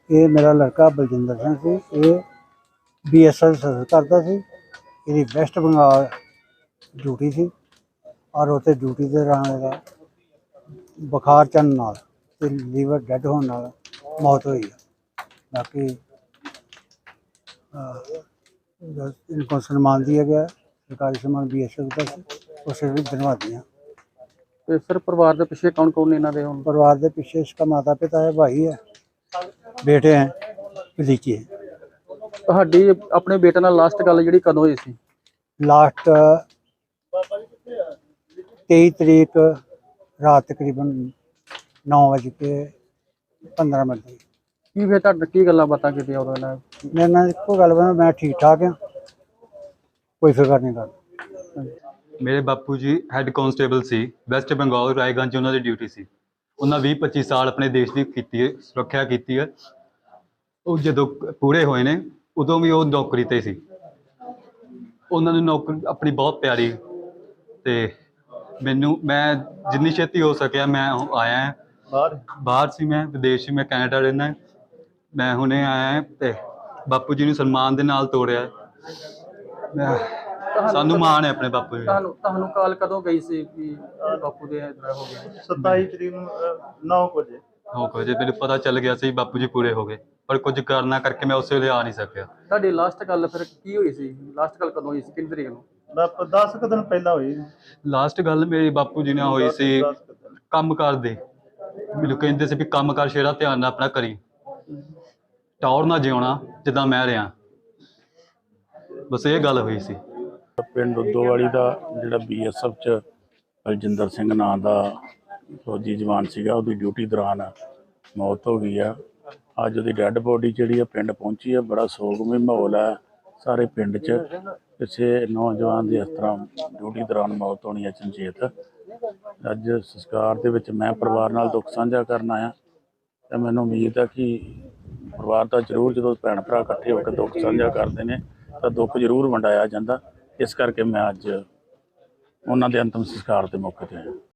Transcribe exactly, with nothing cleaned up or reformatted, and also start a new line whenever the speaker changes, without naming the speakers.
ये मेरा लड़का बलजिंदर सिंह सी, ये बी एस एफ सर्विस करता सी। ਇਹਦੀ ਵੈਸਟ ਬੰਗਾਲ ਡਿਊਟੀ ਸੀ ਔਰ ਉੱਥੇ ਡਿਊਟੀ ਦੇ ਦੌਰਾਨ ਇਹਦਾ ਬੁਖਾਰ ਚੜ੍ਹਨ ਨਾਲ ਤੇ ਲੀਵਰ ਡੈਡ ਹੋਣ ਨਾਲ ਮੌਤ ਹੋਈ ਹੈ। ਬਾਕੀ इनको सम्मान दिया गया, सरकारी सम्मान बी एस एफ का उसे भी धन्यवाद दिया।
ਤੇ ਸਰ ਪਰਿਵਾਰ ਦੇ ਪਿੱਛੇ ਕੌਣ ਕੌਣ ਨੇ ਇਹਨਾਂ ਦੇ ਹੁਣ?
परिवार के पीछे इसका माता पिता है, भाई है, बेटे हैं, भतीजे हैं।
ਤੁਹਾਡੀ ਆਪਣੇ ਬੇਟੇ ਨਾਲ ਲਾਸਟ ਗੱਲ ਜਿਹੜੀ ਕਦੋਂ ਹੋਈ ਸੀ?
लास्ट तेईस तरीक रात तकरीबन नौ बज के पंद्रह मिनट की
ਕੀ ਫਿਰ ਤੁਹਾਡੇ ਕੀ ਗੱਲਾਂ ਬਾਤਾਂ ਕੀਤੀਆਂ ਉਦੋਂ ਇਹਨਾਂ ਨੇ?
मेरे नाल एको गल बनी, मैं ठीक ठाक हाँ, कोई फिक्र नहीं कर।
ਮੇਰੇ ਬਾਪੂ ਜੀ ਹੈੱਡ ਕਾਂਸਟੇਬਲ ਸੀ ਵੈਸਟ ਬੰਗਾਲ ਰਾਏਗੰਜ 'ਚ ਉਹਨਾਂ ਦੀ ਡਿਊਟੀ ਸੀ। ਉਹਨਾਂ ਵੀਹ ਪੱਚੀ ਸਾਲ ਆਪਣੇ ਦੇਸ਼ ਦੀ ਕੀਤੀ ਹੈ, ਸੁਰੱਖਿਆ ਕੀਤੀ ਹੈ। ਉਹ ਜਦੋਂ ਪੂਰੇ ਹੋਏ ਨੇ ਉਦੋਂ ਵੀ ਉਹ ਨੌਕਰੀ 'ਤੇ ਸੀ। ਉਹਨਾਂ ਨੂੰ ਨੌਕਰੀ ਆਪਣੀ ਬਹੁਤ ਪਿਆਰੀ ਅਤੇ ਮੈਨੂੰ ਮੈਂ ਜਿੰਨੀ ਛੇਤੀ ਹੋ ਸਕਿਆ ਮੈਂ ਆਇਆ ਬਾਹਰ ਬਾਹਰ ਸੀ, ਮੈਂ ਵਿਦੇਸ਼ ਸੀ, ਮੈਂ ਕੈਨੇਡਾ ਰਹਿੰਦਾ। ਮੈਂ ਹੁਣੇ ਆਇਆ ਅਤੇ ਬਾਪੂ ਜੀ ਨੂੰ ਸਨਮਾਨ ਦੇ ਨਾਲ ਤੋੜਿਆ। ਮੈਂ ਸਾਨੂੰ ਮਾਣ ਹੈ ਆਪਣੇ ਬਾਪੂ ਜੀ।
ਤੁਹਾਨੂੰ ਤੁਹਾਨੂੰ ਕਾਲ ਕਦੋਂ ਗਈ ਸੀ ਕਿ ਬਾਪੂ ਦੇ ਇਦਾਂ ਹੋ ਗਿਆ?
ਸਤਾਈ ਤਰੀਕ ਨੂੰ ਨੌ ਵਜੇ
ਹੋ ਗਏ ਜੇ ਮੈਨੂੰ ਪਤਾ ਚੱਲ ਗਿਆ ਸੀ ਬਾਪੂ ਜੀ ਪੂਰੇ ਹੋ ਗਏ, ਪਰ ਕੁਝ ਕਰਨਾ ਕਰਕੇ ਮੈਂ ਉਸੇ ਵੇਲੇ ਆ ਨਹੀਂ ਸਕਿਆ।
ਤੁਹਾਡੀ ਲਾਸਟ ਗੱਲ ਫਿਰ ਕੀ ਹੋਈ ਸੀ? ਲਾਸਟ ਗੱਲ ਕਦੋਂ ਹੋਈ ਸੀ, ਕਿੰਨੀ ਤਰੀਕ ਨੂੰ?
ਦਸ ਕੁ ਦਿਨ ਪਹਿਲਾਂ ਹੋਈ।
ਲਾਸਟ ਗੱਲ ਮੇਰੀ ਬਾਪੂ ਜੀ ਨਾਲ ਹੋਈ ਸੀ ਕੰਮ ਕਾਰ ਦੇ। ਮੈਨੂੰ ਕਹਿੰਦੇ ਸੀ ਵੀ ਕੰਮ ਕਾਰ ਸ਼ੇਰਾ ਧਿਆਨ ਨਾਲ ਆਪਣਾ ਕਰੀ, ਟੌਰ ਨਾ ਜਿਉਣਾ ਜਿੱਦਾਂ ਮੈਂ ਰਿਹਾ। ਬਸ ਇਹ ਗੱਲ ਹੋਈ ਸੀ।
ਪਿੰਡ ਉਦੋਵਾਲੀ ਦਾ ਜਿਹੜਾ ਬੀ ਐਸ ਐਫ 'ਚ ਬਲਜਿੰਦਰ ਸਿੰਘ ਨਾਂ ਦਾ ਫੌਜੀ ਜਵਾਨ ਸੀਗਾ, ਉਹਦੀ ਡਿਊਟੀ ਦੌਰਾਨ ਮੌਤ ਹੋ ਗਈ ਆ। ਅੱਜ ਉਹਦੀ ਡੈੱਡ ਬੋਡੀ ਜਿਹੜੀ ਆ ਪਿੰਡ ਪਹੁੰਚੀ ਆ। ਬੜਾ ਸੋਗਮਈ ਮਾਹੌਲ ਹੈ ਸਾਰੇ ਪਿੰਡ 'ਚ। ਕਿਸੇ ਨੌਜਵਾਨ ਦੀ ਇਸ ਤਰ੍ਹਾਂ ਡਿਊਟੀ ਦੌਰਾਨ ਮੌਤ ਹੋਣੀ ਅਚਨਚੇਤ। ਅੱਜ ਸੰਸਕਾਰ ਦੇ ਵਿੱਚ ਮੈਂ ਪਰਿਵਾਰ ਨਾਲ ਦੁੱਖ ਸਾਂਝਾ ਕਰਨ ਆਇਆ ਅਤੇ ਮੈਨੂੰ ਉਮੀਦ ਹੈ ਕਿ ਪਰਿਵਾਰ ਦਾ ਜ਼ਰੂਰ ਜਦੋਂ ਭੈਣ ਭਰਾ ਇਕੱਠੇ ਹੋ ਕੇ ਦੁੱਖ ਸਾਂਝਾ ਕਰਦੇ ਨੇ ਤਾਂ ਦੁੱਖ ਜ਼ਰੂਰ ਵੰਡਾਇਆ ਜਾਂਦਾ। ਇਸ ਕਰਕੇ ਮੈਂ ਅੱਜ ਉਹਨਾਂ ਦੇ ਅੰਤਿਮ ਸੰਸਕਾਰ ਦੇ ਮੌਕੇ 'ਤੇ ਆਇਆ।